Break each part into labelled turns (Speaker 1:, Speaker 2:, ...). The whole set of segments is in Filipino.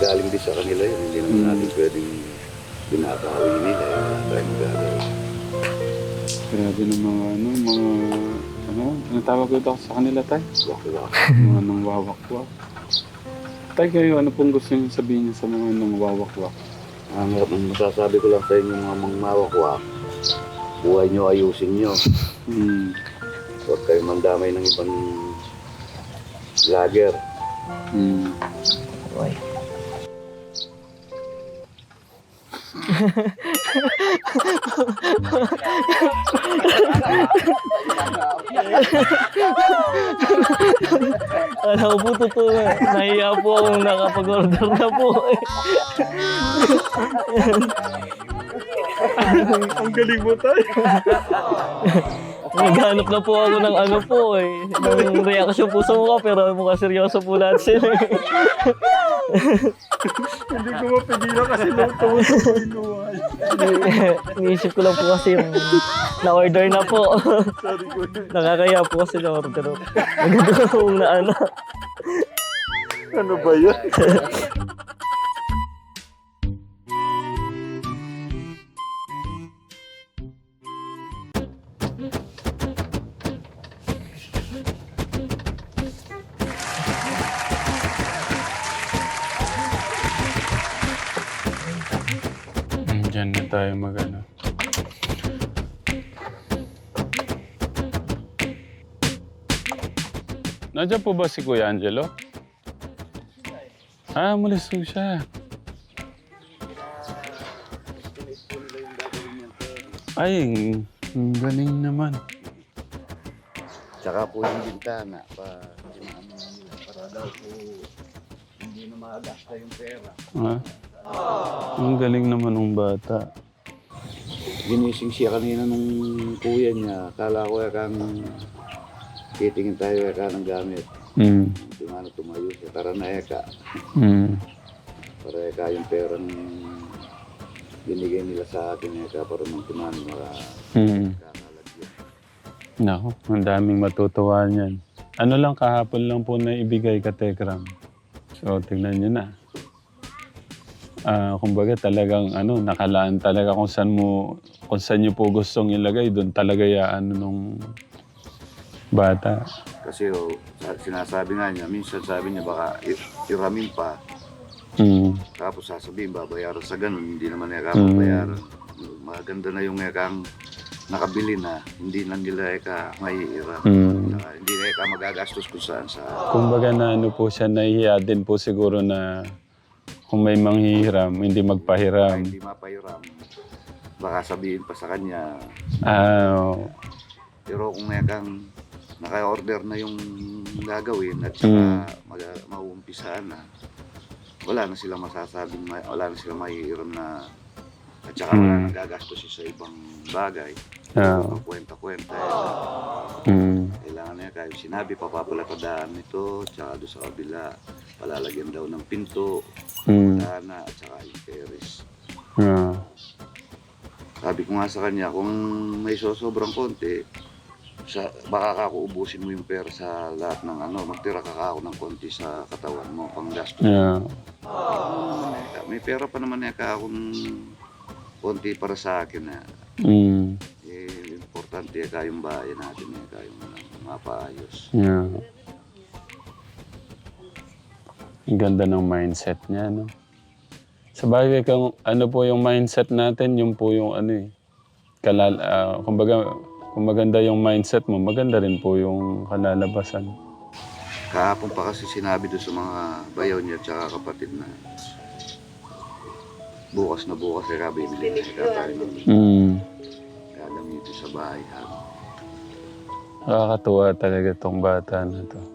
Speaker 1: galing din sa kanila yun. Hindi naman natin pwedeng binabawi nila. Wala tayong magagawa.
Speaker 2: Grabe ng mga ano tawag ko ito sa kanila, tay?
Speaker 1: Wak-wak.
Speaker 2: Mga nang wawakwak. Tay, kayo, ano pong gusto niyo sabihin niyo sa mga nang wawakwak?
Speaker 1: Ang masasabi ko lang sa inyo mga mangmawakwak, buhay nyo ayusin nyo. Huwag kayong mandamay ng ibang vlogger.
Speaker 3: Uy. Alam ko po totoo na. Nahiya po akong nakapag-order na po.
Speaker 2: Ang galing mo, tay!
Speaker 3: Naghanap na po ako ng ano po eh. Ng reaction po sa mukha pero mukhang seryoso po lahat sila.
Speaker 2: Hindi ko mapigilan kasi tumutuwa sa pinuhay.
Speaker 3: Iniisip ko lang po kasi yung na-order na po.
Speaker 2: Sorry ko.
Speaker 3: Nakakaya po kasi na-order. Maganda kong na ano.
Speaker 2: Ano ba yan? Diyan na tayo mag-ano. Nandiyan po ba si Kuya Angelo? Ah, mulis po siya. Ay, ang galing naman.
Speaker 1: Tsaka po yung bintana para daw po hindi na magasta yung pera.
Speaker 2: Ah, ang galing naman ng bata.
Speaker 1: Ginising siya kanina nung kuya niya. Akala ko kang titingin tayo ng gamit. Yung ano tumayo siya. Tara na eka. Para eka yung perang binigay nila sa akin eka para magtuman kakalagyan.
Speaker 2: Nako, ang daming matutuwa niyan. Ano lang kahapon lang po na ibigay ka, Tekram. So, tingnan niyo na. Kumbaga talagang nakalaan talaga kung saan niyo po gustong ilagay, doon talaga yaan nung bata.
Speaker 1: Kasi sinasabi nga niya, minsan sabi niya baka iramin pa. Tapos sasabihin babayaran sa ganun, hindi naman niya babayaran. Maganda na yung kang nakabili na, hindi na nila maiiram. Hindi na magagastos kung saan sa...
Speaker 2: Kumbaga na po siya, nahihiya din po siguro na kung may manghihiram, hindi magpahiram.
Speaker 1: Hindi mapahiram. Baka sabihin pa sa kanya. Pero kung kang naka-order na yung gagawin at saka mauumpisaan na, wala na silang masasabing, wala na silang maihiram na at saka wala nang gagastos sa ibang bagay. Kwenta-kwenta. Kailangan niya kahit sinabi, papapalatadaan nito, tsaka doon sa kabila, palalagyan daw ng pinto, dana, at saka yung teres. Sabi ko nga sa kanya, kung may sobrang konti, baka ubusin mo yung pera sa lahat ng magtira ka ako ng konti sa katawan mo, pang gastos. May pera pa naman akong konti para sa akin na. Importante yung bahay natin yung mapaayos.
Speaker 2: Ang ganda ng mindset niya, no? Sa bagay, kung ano po yung mindset natin, yung po yung kumbaga, kung maganda yung mindset mo, maganda rin po yung kalalabasan.
Speaker 1: Kahapon pa kasi sinabi doon sa mga bayaw niya at saka kapatid na bukas bibili na tayo ng dito sa bahay.
Speaker 2: Nakakatuwa talaga tong bata na to.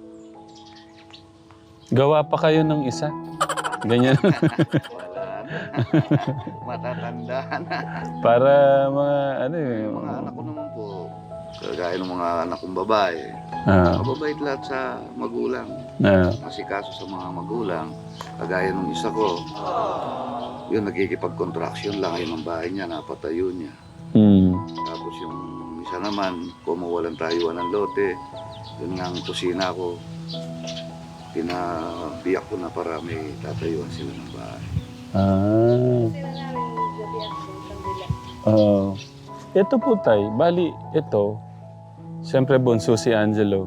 Speaker 2: Gawa pa kayo ng isa. Ganyan.
Speaker 1: Wala na. Matatanda na.
Speaker 2: Para mga
Speaker 1: Mga anak ko naman po, kagaya ng mga anak kong babae, mababait lahat sa magulang. Masikaso sa mga magulang. Kagaya nung isa ko, yun nagkikipag-contraction lang yun ang bahay niya, napatayo niya. Tapos yung isa naman, kung mawalan tayo ng lote, yun nga ang kusina ko. pinabiyak ko na para may tatayuan sila ng bahay.
Speaker 2: Ito po tay, bali ito, siyempre bunso si Angelo.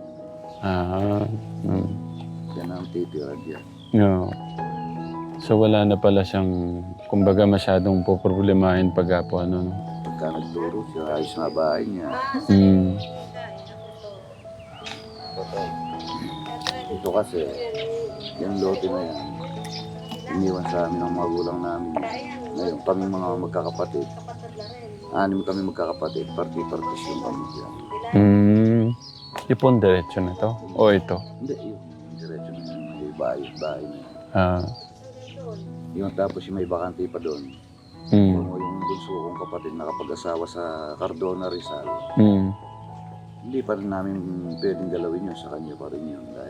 Speaker 1: Yan ang titira diyan.
Speaker 2: No. So wala na pala siyang, kumbaga masyadong poproblemahin pag po ano. No?
Speaker 1: Pagka nagturo siya, ayos na bahay niya. Ito kasi, yung lote na yan, iniwan sa amin ng magulang namin. Ngayon, kami mga magkakapatid, 6 kami magkakapatid, party-parties yung kami dyan.
Speaker 2: Ipon diretso na to? O ito?
Speaker 1: Hindi, yung diretso na yun, may bahay na yun. Yung tapos yung may bakante pa doon. Yung bunso kong kapatid nakapag-asawa sa Cardona, Rizal. Hindi pa rin namin pwedeng galawin yun, sa kanya pa rin yun. Dahil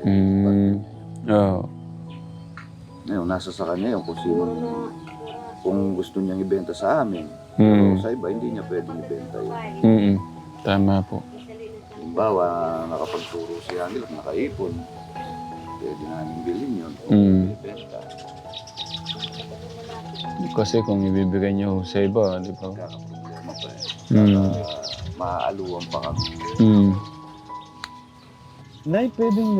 Speaker 1: ngayon, nasa sa kanya yun kung gusto niyang ibenta sa amin. Pero sa iba, hindi niya pwedeng ibenta yun.
Speaker 2: Tama po.
Speaker 1: Halimbawa, nakapagturo si Angel at nakaipon. Pwede namin bilhin yun o ibenta.
Speaker 2: Kasi kung ibibigay niyo sa iba, di ba?
Speaker 1: Kakaproblema pa maaaluan pa kami.
Speaker 2: Nay, pwedeng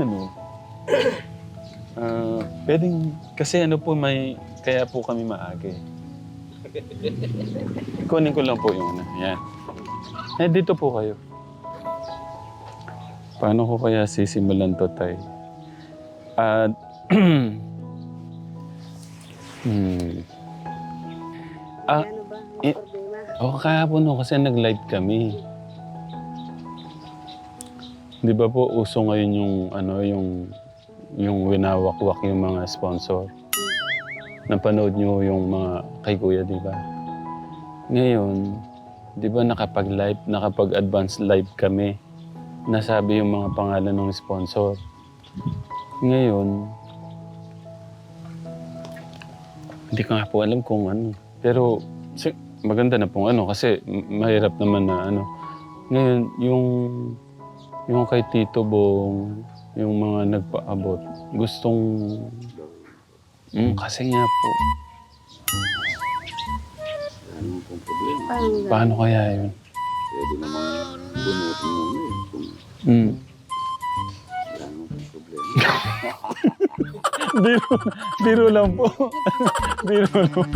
Speaker 2: pwedeng, kasi po kaya po kami maaga eh. Kunin ko lang po yung yan. Dito po kayo. Paano ko kaya sisimulan to, tay? Kahapon kasi nag-live kami. Di ba po uso ngayon yung winawakwak yung mga sponsor. Napanood nyo yung mga kay Kuya, di ba? Ngayon, di ba nakapag-advance live kami. Nasabi yung mga pangalan ng sponsor. Ngayon, hindi ko nga po alam kung ano. Pero maganda na pong kasi mahirap naman na Ngayon, yung kay Tito Bong, yung mga nagpaabot, gustong... kasi nga po.
Speaker 1: Ano pong problema?
Speaker 2: Paano kaya yun?
Speaker 1: Pwede namang bunutin muna eh. Wala naman pong problema.
Speaker 2: Biro lang po. Biro lang po.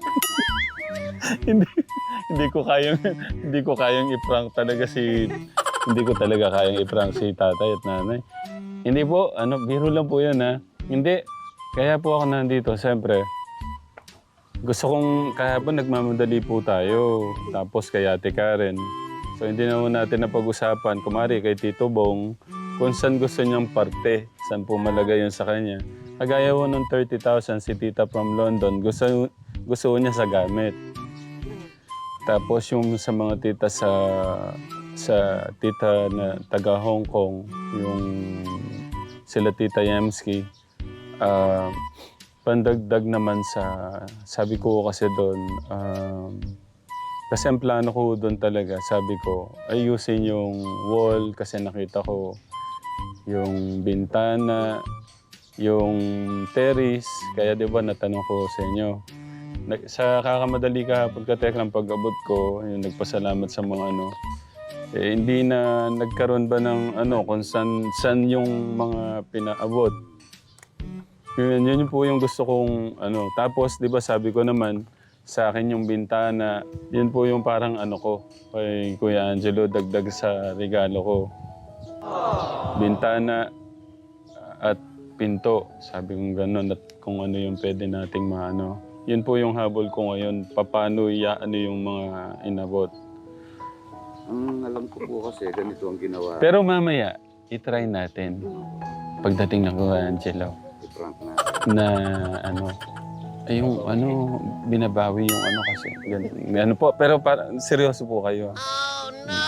Speaker 2: hindi ko kayang i-prank talaga hindi ko talaga kayang i-prank si tatay at nanay. Hindi po, biro lang po 'yan ha. Hindi. Kaya po ako nandito, siyempre. Gusto kong, kahapon nagmamadali po tayo. Tapos kay Ate Karen. So hindi naman natin napag-usapan, kumari kay Tito Bong, kung saan gusto niyang parte, saan po malagay yun sa kanya. Kagaya po ng 30,000 si Tita from London, gusto niya sa gamit. Tapos yung sa mga tita sa tita na taga Hong Kong, yung sila Tita Yemski, pandagdag naman sabi ko kasi doon, kasi ang plano ko doon talaga, sabi ko, ayusin yung wall kasi nakita ko yung bintana, yung terrace, kaya di ba natanong ko sa inyo. Sa kakamadali kahapon kateklang pag-abot ko, yung nagpasalamat sa mga hindi na nagkaroon ba ng kung saan yung mga pinaabot. Yun po yung gusto kong Tapos di ba sabi ko naman, sa akin yung bintana, yun po yung parang ko, kay Kuya Angelo, dagdag sa regalo ko. Bintana at pinto, sabi kong gano'n, at kung ano yung pwede nating Yun po yung habol ko ngayon, paano yung mga inabot.
Speaker 1: Ang alam ko po kasi, ganito ang ginawa.
Speaker 2: Pero mamaya, itry natin. Pagdating ng Kuya Angelo.
Speaker 1: I-prank natin.
Speaker 2: Na yung binabawi yung kasi. Ganun po, pero seryoso po kayo. Oh, no!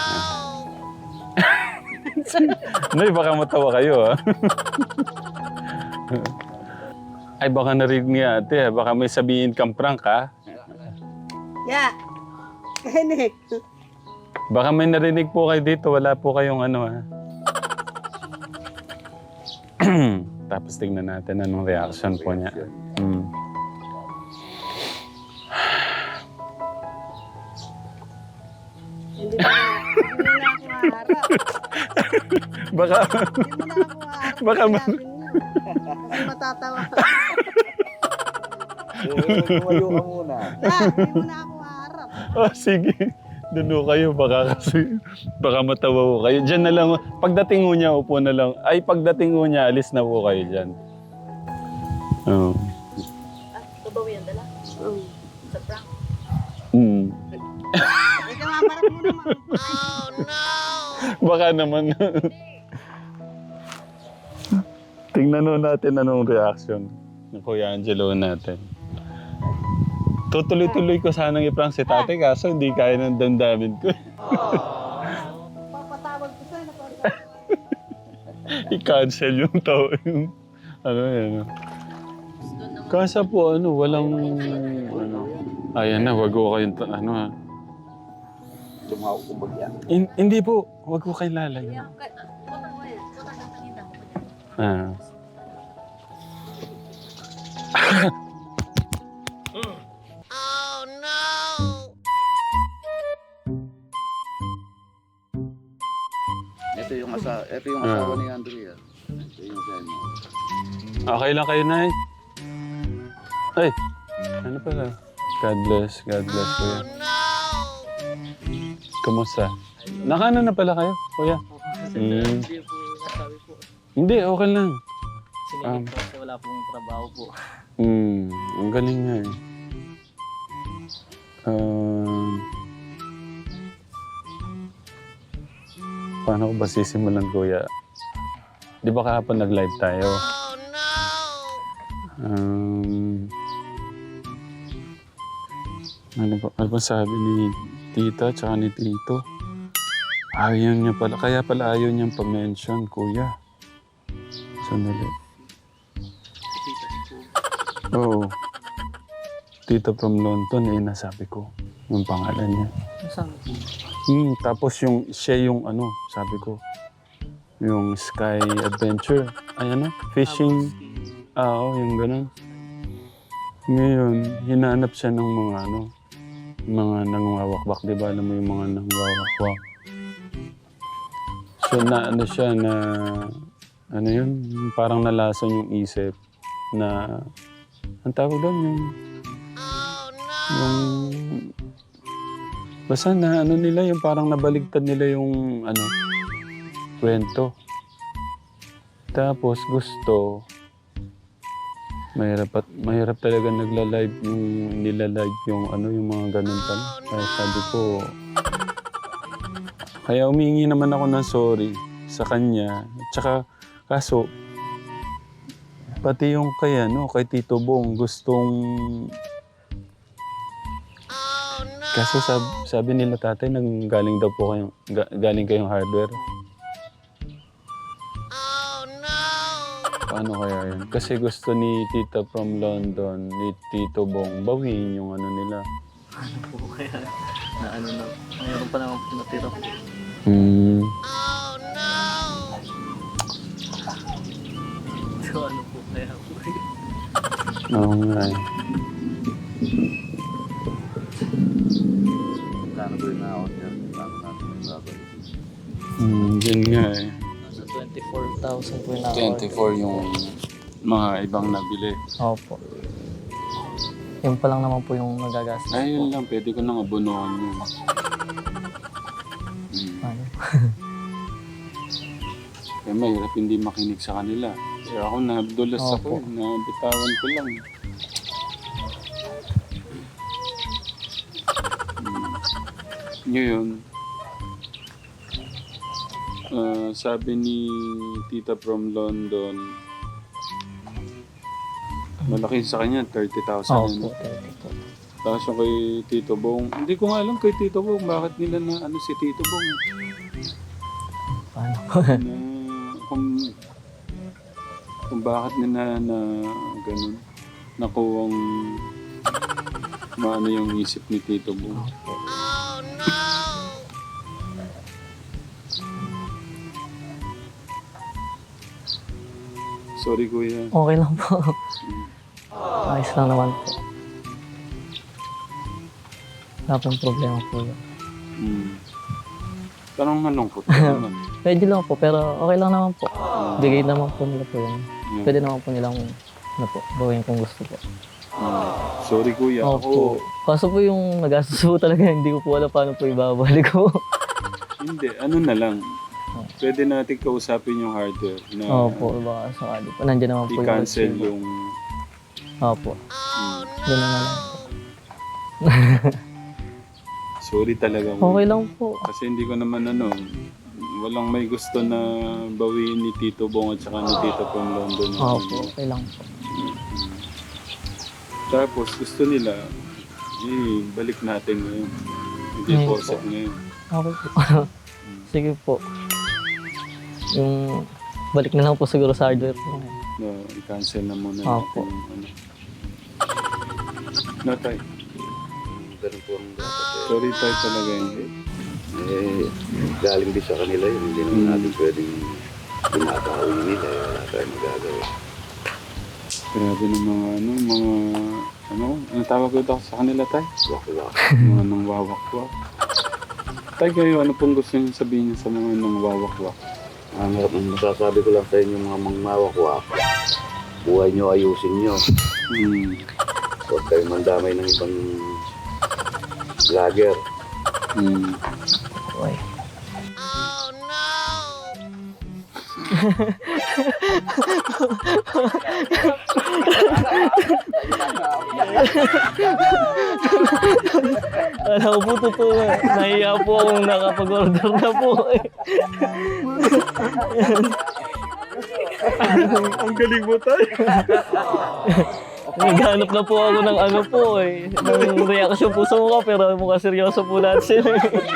Speaker 2: Nay, baka matawa kayo, ha? Ay, baka narinig niya, ate. Baka may sabihin kang prank, ha?
Speaker 4: Ya! Kahinik!
Speaker 2: Baka may narinig po kayo dito. Wala po kayong ha? tapos tingnan natin anong reaction po niya. Mm.
Speaker 4: Hindi na ako haharap.
Speaker 2: Baka,
Speaker 4: Hindi mo na ako haharap.
Speaker 2: Baka
Speaker 4: Sinabi niyo. Kasi matatawa.
Speaker 1: Tumayo ka muna.
Speaker 4: Hindi mo na ako haharap.
Speaker 2: oh sige, doon ho kayo, baka matawa ho kayo. Diyan na lang, pagdating ho niya, upo na lang. Ay, pagdating ho niya, alis na po kayo dyan. Oh.
Speaker 5: Kabawi ang dala.
Speaker 4: Oo.
Speaker 5: Sa prank.
Speaker 2: Mm.
Speaker 4: Ikaw hamarap mo naman.
Speaker 2: Baka naman. Tingnan ho natin anong reaction ng Kuya Angelo natin. Tutuloy-tuloy ko sanang i-prank si tate kaso hindi kaya ng damdamin ko.
Speaker 4: Papatawag ko sa'yo.
Speaker 2: I-cancel yung tao. Yung, ano yan. Kasa po walang ayan na, wag ko kayong ha.
Speaker 1: Lumaw ko bagyan.
Speaker 2: Hindi po, wag ko kayo lalayo. Ah.
Speaker 1: Ito yung asawa ni Andrea. Ito yung sa inyo.
Speaker 2: Okay lang kayo, Nay. Ay, ano pala? God bless kuya. Kumusta? Nakano na pala kayo, kuya?
Speaker 3: Hindi po nasabi po.
Speaker 2: Hindi, okay lang.
Speaker 3: Sinigit po kasi wala pong trabaho po.
Speaker 2: Ang galing nga eh. Paano ko ba sisimulan, kuya? Di ba kahapon nag-live tayo? Ano ba sabi ni tita tsaka ni tito? Ayaw niya pala, kaya pala ayaw niyang pa-mention, kuya. Sandali. Oo. Tito from London, nasabi ko. Yung pangalan niya.
Speaker 3: Saan?
Speaker 2: Tapos siya yung sabi ko. Yung Sky Adventure. Ay fishing. Oo, yung ganun. Ngayon, hinahanap siya ng mga nangwawakbak, di ba? Alam mo yung mga nangwawakbak. So, siya na, yun? Parang nalason yung isip na, ang tawag doon, basta na, nila, yung parang nabaligtad nila yung, kwento. Tapos, gusto, mahirap talaga nagla-live nila-live yung mga ganun pa. Kaya sabi ko, kaya humingi naman ako ng sorry sa kanya. Tsaka, kaso, pati yung kay Tito Bong, gustong... Kaso sabi nila tatay, galing daw po galing kayong hardware. Paano kaya yun? Kasi gusto ni Tita from London, ni Tito Bong, bawiin yung nila.
Speaker 3: Ano po kaya na mayroon pa naman po natira. So ano po kaya po?
Speaker 2: Oo nga eh.
Speaker 1: Kano ba yung naon yan? Kano natin yung babalik?
Speaker 2: Yun nga eh.
Speaker 3: Nasa 24,000 po yung na
Speaker 2: 24 yung mga ibang nabili.
Speaker 3: Opo. Yun pa lang naman po yung nagagastos
Speaker 2: Ay,
Speaker 3: po.
Speaker 2: yun lang. Pwede ko nang abunuhan yun.
Speaker 3: Ano?
Speaker 2: Kaya mahirap hindi makinig sa kanila. Kaya ako nadulas ako.
Speaker 3: Opo.
Speaker 2: Nabitawan ko lang. Ngayon, sabi ni Tita from London, malaki sa kanya, 30,000 yun.
Speaker 3: Opo, 30 po.
Speaker 2: Tapos yung kay Tito Bong, hindi ko nga alam kay Tito Bong, bakit nila na si Tito Bong.
Speaker 3: Paano?
Speaker 2: Na, kung bakit nila na ganun, nakuwang maano yung isip ni Tito Bong. So Sorry, kuya.
Speaker 3: Okay lang po. Ayos lang naman po. Wala pong problema po yun.
Speaker 2: Parang malungkot ka naman.
Speaker 3: Pwede lang po, pero okay lang naman po. Bigay naman po nila po yun. Pwede naman po nilang gawin kung gusto po.
Speaker 2: Sorry, kuya.
Speaker 3: Opo. Kaso po yung nagastos po talaga, hindi ko po alam paano po ibabalik ko.
Speaker 2: Hindi, ano na lang. Pwede natin kausapin yung hardware na
Speaker 3: Opo, baka sakali po. Nandiyan naman po
Speaker 2: i-cancel
Speaker 3: receiver.
Speaker 2: yung...
Speaker 3: Opo. Doon na lang po.
Speaker 2: Sorry talaga.
Speaker 3: Okay lang po.
Speaker 2: Kasi hindi ko naman walang may gusto na bawiin ni Tito Bong at saka ni Tito from London.
Speaker 3: Opo, okay lang po.
Speaker 2: Tapos gusto nila, balik natin ngayon. Hindi
Speaker 3: Ngayon
Speaker 2: force
Speaker 3: po.
Speaker 2: ngayon.
Speaker 3: Okay po. Sige po. Yung balik na lang po siguro sa hardware po.
Speaker 2: No, i-cancel na muna
Speaker 3: Opo.
Speaker 2: natin yung ano. No, tay.
Speaker 1: Ganun po ang dapat eh.
Speaker 2: Sorry tay talaga hindi.
Speaker 1: Galing din sa kanila yun. Hindi naman natin pwedeng tinatawin nila. Wala tayong magagawa.
Speaker 2: Grabe ng ano tawag ko sa kanila tay?
Speaker 1: Wak-wak.
Speaker 2: Mga nang wawakwak. Tay kayo, ano pong gusto niyo sabihin sa mga nang wawakwak?
Speaker 1: Ang masasabi ko lang sa inyo mga mangmawakwak, buhay nyo ayusin nyo. Huwag kayong mandamay ng ibang vlogger.
Speaker 3: Okay. Alam ko po totoo. Nahiya po akong nakapag-order na po eh.
Speaker 2: Ang galing mo tay!
Speaker 3: Naghanap na po ako ng ano po eh. Ng reaction po sa mukha pero mukha seryoso po lahat sila.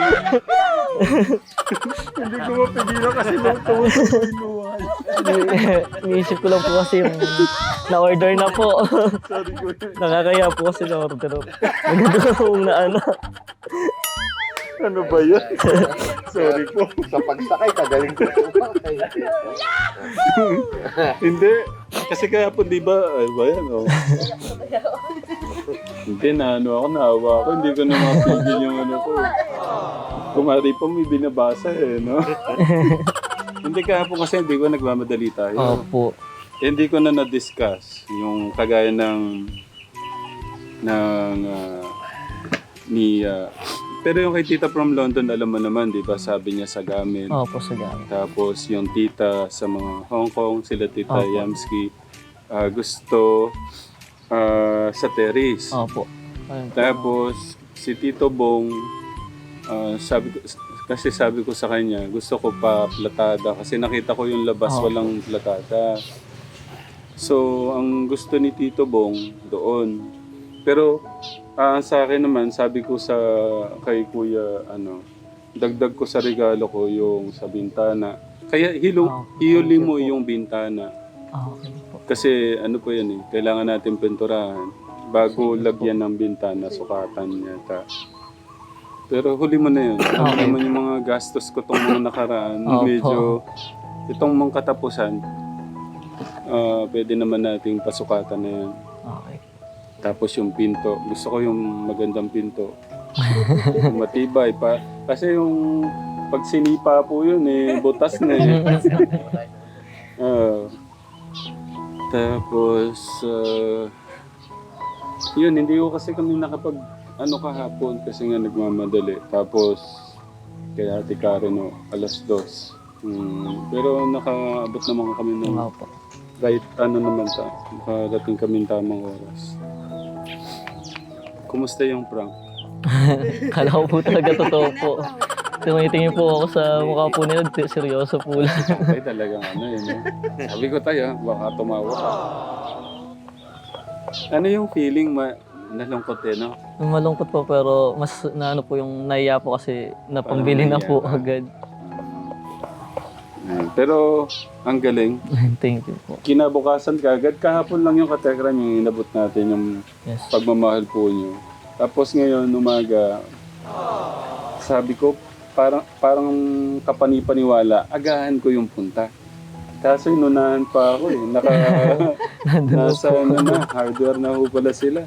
Speaker 2: Hindi ko mapigilan kasi nung tumusok yung luhay.
Speaker 3: Iniisip ko lang po kasi yung na-order na po.
Speaker 2: Sorry ko.
Speaker 3: Nakakaya po kasi na-order. Maganda kong na ano.
Speaker 2: Ano ba yan? Sorry po.
Speaker 1: Sa pagsakay, kagaling ko sumakay.
Speaker 2: Hindi. Kasi kaya po, di ba? Ay ba yan? Oh. Hindi na ako, naawa ako. Hindi ko na mapigil yung ano ko. Kumari pa may binabasa eh, no? Hindi kaya po kasi hindi ko nagmamadali tayo.
Speaker 3: Opo.
Speaker 2: Hindi ko na na-discuss yung kagaya pero yung kay tita from London, alam mo naman, di ba? Sabi niya sa gamit.
Speaker 3: Opo, sa gamit.
Speaker 2: Tapos yung tita sa mga Hong Kong, sila tita
Speaker 3: Opo.
Speaker 2: Yamski, gusto sa terrace.
Speaker 3: Opo. Ayun po.
Speaker 2: Tapos si Tito Bong, sabi ko sa kanya, gusto ko pa platada kasi nakita ko yung labas
Speaker 3: Opo.
Speaker 2: walang platada. So, ang gusto ni Tito Bong doon. Pero sa akin naman, sabi ko kay Kuya, dagdag ko sa regalo ko yung sa bintana. Kaya hihuli mo yung bintana.
Speaker 3: Okay po.
Speaker 2: Kasi ano po yan kailangan natin pinturahan. Bago lagyan ng bintana, sukatan yata. Pero huli mo na yun. Alam
Speaker 3: Okay.
Speaker 2: naman yung mga gastos ko itong mga nakaraan.
Speaker 3: Opo.
Speaker 2: Medyo, itong mga katapusan, pwede naman nating pasukatan na yan.
Speaker 3: Okay.
Speaker 2: Tapos yung pinto, gusto ko yung magandang pinto. Yung matibay pa. Kasi yung pag sinipa po yun butas na tapos, yun, hindi ko kasi kami nakapag kahapon kasi nga nagmamadali. Tapos, kaya Ate Karen, 2:00. Pero nakaabot naman kami ng
Speaker 3: Opo.
Speaker 2: kahit naman nakarating kami ng tamang oras. Kumusta yung prank?
Speaker 3: Kala ko po talaga totoo po. Tumitingin po ako sa mukha po nila, seryoso po lang.
Speaker 2: Ay talagang yun. Sabi ko tayo, baka tumawa ka. Ano yung feeling nalungkot no?
Speaker 3: Malungkot po pero mas naano po yung naiya po kasi napambili na po agad.
Speaker 2: Pero ang galing.
Speaker 3: Thank you po.
Speaker 2: Kinabukasan kagad, kahapon lang yung katekram yung inabot natin yung
Speaker 3: Yes.
Speaker 2: pagmamahal po nyo. Tapos ngayon, umaga, sabi ko, parang kapanipaniwala, agahan ko yung punta. Kaso inunahan pa ako eh. Nasa ano na, hardware na ho pala sila.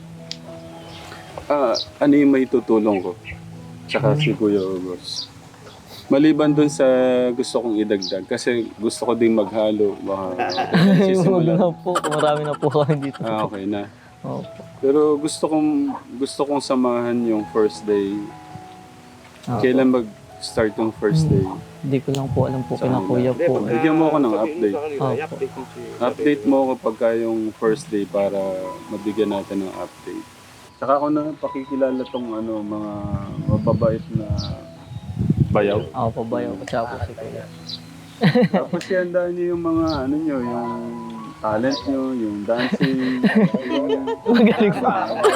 Speaker 2: Ano yung may tutulong ko? Tsaka si Kuya August. Maliban dun sa gusto kong idagdag, kasi gusto ko ding maghalo. Baka
Speaker 3: Huwag
Speaker 2: sisimulan.
Speaker 3: na po. Marami na po kami dito.
Speaker 2: Okay na.
Speaker 3: Opo.
Speaker 2: Pero gusto kong samahan yung first day.
Speaker 3: Opo.
Speaker 2: Kailan mag-start yung first day?
Speaker 3: Hindi ko lang po alam po kina kuya po.
Speaker 2: Bigyan mo ako ng update.
Speaker 3: Opo.
Speaker 2: Update mo ako pagka yung first day para mabigyan natin ng update. Saka ako na pakikilala tong mga mababait na bayaw.
Speaker 3: Ako po ba yung tsaka po si kuya.
Speaker 2: Tapos ihandaan niyo yung mga yung talent niyo, yung dancing.
Speaker 3: Magaling po.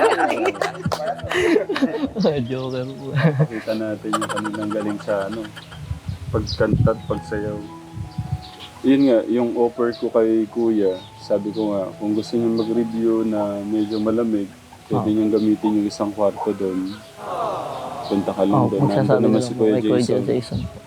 Speaker 3: Joker po.
Speaker 2: Pakita natin yung kanilang galing sa pagkanta at pagsayaw. Yun nga, yung offer ko kay Kuya, sabi ko nga, kung gusto niyo mag-review na medyo malamig, pwede niyong gamitin yung isang kwarto doon. Punta ka lang doon. Nandun
Speaker 3: Magsasabi
Speaker 2: naman
Speaker 3: na
Speaker 2: si
Speaker 3: po
Speaker 2: Kuya
Speaker 3: kay Kuya
Speaker 2: Jason.
Speaker 3: Jason po.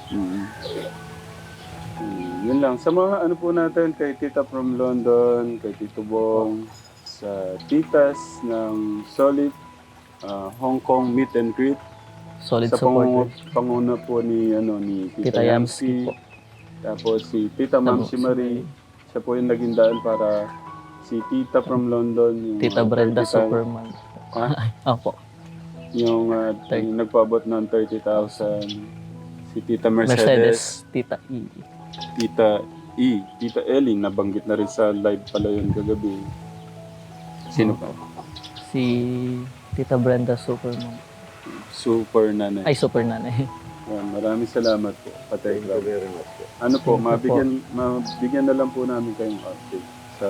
Speaker 2: Yun lang. Sa mga po natin, kay Tita from London, kay Tito Bong, sa titas ng Solid, Hong Kong Meet and Greet.
Speaker 3: Solid
Speaker 2: Sa
Speaker 3: supporters.
Speaker 2: panguna po ni Tita
Speaker 3: Tita
Speaker 2: Yamsi.
Speaker 3: Yamsi po.
Speaker 2: Tapos si Tita Mamsi Marie. Siya po yung naging daan para si Tita from London. Yung,
Speaker 3: Tita Brenda
Speaker 2: 30,000
Speaker 3: Superman. Opo.
Speaker 2: Yung nagpaabot ng 30,000. Si Tita Mercedes.
Speaker 3: Mercedes. Tita E.
Speaker 2: Tita E. Tita Ellie. Nabanggit na rin sa live pala yun kagabi. Sino pa?
Speaker 3: Si Tita Brenda Superman.
Speaker 2: Super nanay.
Speaker 3: Ay, super nanay.
Speaker 2: Yan, maraming salamat po. Patay
Speaker 1: Thank you very much po.
Speaker 2: Ano po, mabigyan na lang po namin kayong update sa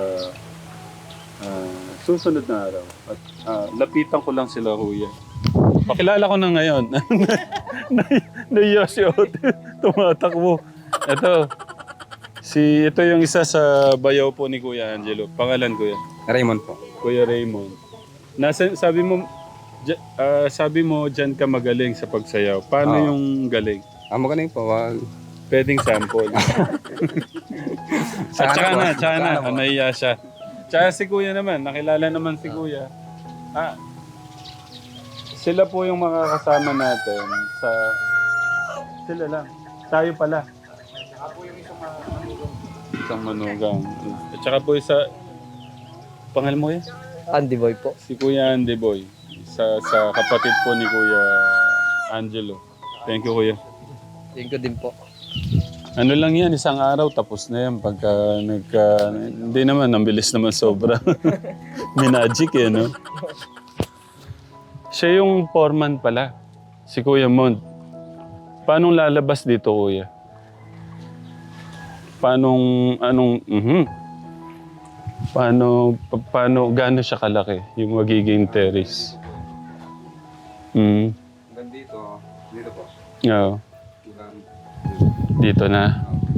Speaker 2: susunod na araw. At lapitan ko lang sila, Kuya. Pakilala ko na ngayon. Naiya si Ote. Tumatakbo. Ito yung isa sa bayaw po ni Kuya Angelo. Pangalan, Kuya?
Speaker 6: Raymond po.
Speaker 2: Kuya Raymond. Sabi mo dyan ka magaling sa pagsayaw. Paano
Speaker 6: Oo.
Speaker 2: yung galing?
Speaker 6: Magaling po.
Speaker 2: Pwedeng sample. Tsaka na. Nahiya siya. Tsaka si Kuya naman. Nakilala naman si Kuya. Sila po yung mga kasama natin sa... Sila lang. Tayo pala. Isang manugang. At saka po isa... Pangalan mo yan?
Speaker 3: Andy Boy po.
Speaker 2: Si Kuya Andy Boy. Sa kapatid po ni Kuya Angelo. Thank you, Kuya.
Speaker 3: Thank you din po.
Speaker 2: Ano lang yan, isang araw tapos na yan. Pagka hindi naman, ang bilis naman sobra. Minagic eh, no? Siya yung foreman pala. Si Kuya Mont. Paano lalabas dito, Kuya? Paano, gaano siya kalaki? Yung magiging terrace?
Speaker 6: Dito po.
Speaker 2: Oo. Dito na.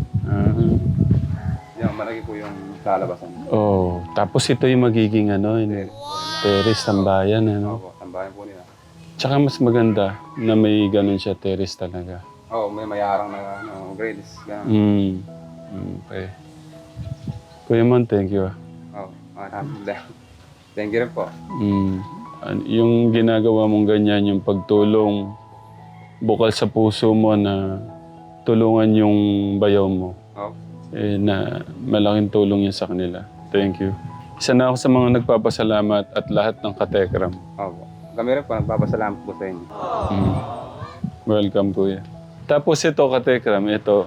Speaker 6: Yan, malaki po yung lalabasan.
Speaker 2: Oh, tapos ito yung magiging terrace ng bayan,
Speaker 6: Opo, tambayan po nila.
Speaker 2: Tsaka mas maganda na may ganun siya terrace talaga.
Speaker 6: May mayarang na grades. Ganun.
Speaker 2: Okay. Kuya Mon, thank you.
Speaker 6: Alhamdulillah. Thank you rin po.
Speaker 2: Yung ginagawa mong ganyan, yung pagtulong bukal sa puso mo na tulungan yung bayaw mo. Na malaking tulong yun sa kanila. Thank you. Isa na ako sa mga nagpapasalamat at lahat ng katekram.
Speaker 6: Kami rin po, nagpapasalamat po sa inyo.
Speaker 2: Welcome, Kuya. Tapos ito, katekram, ito.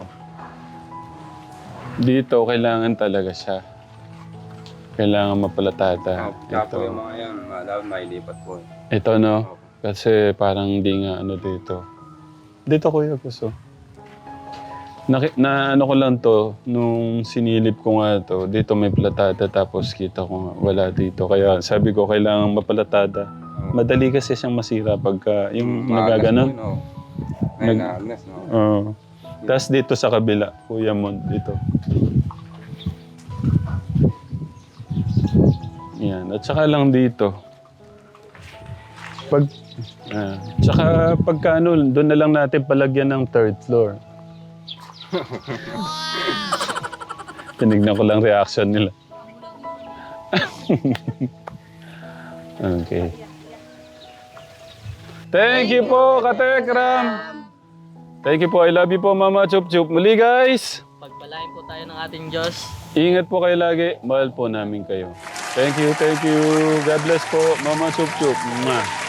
Speaker 2: Dito, kailangan talaga siya. Kailangan mapalatada.
Speaker 6: Tsaka po yung mga yan, dapat mailipat po.
Speaker 2: Ito, no? Kasi parang hindi nga dito. Dito, Kuya, gusto. Ano ko lang to, nung sinilip ko nga to, dito may platada tapos kita ko nga, wala dito. Kaya sabi ko, kailangan mapalatada. Madali kasi siyang masira pagka yung nagaganon. Tapos dito sa kabila, Kuya Mon, dito. Yan. At saka lang dito. Tsaka pagka doon na lang natin palagyan ng third floor. Tinignan ko lang reaction nila. Okay. Thank you po, Katekram. Thank you po. I love you po, Mama Chup Chup. Muli, guys.
Speaker 3: Pagpalain po tayo ng ating Diyos.
Speaker 2: Ingat po kayo lagi. Mahal po namin kayo. Thank you, thank you. God bless po, Mama Chup Chup. Mwah.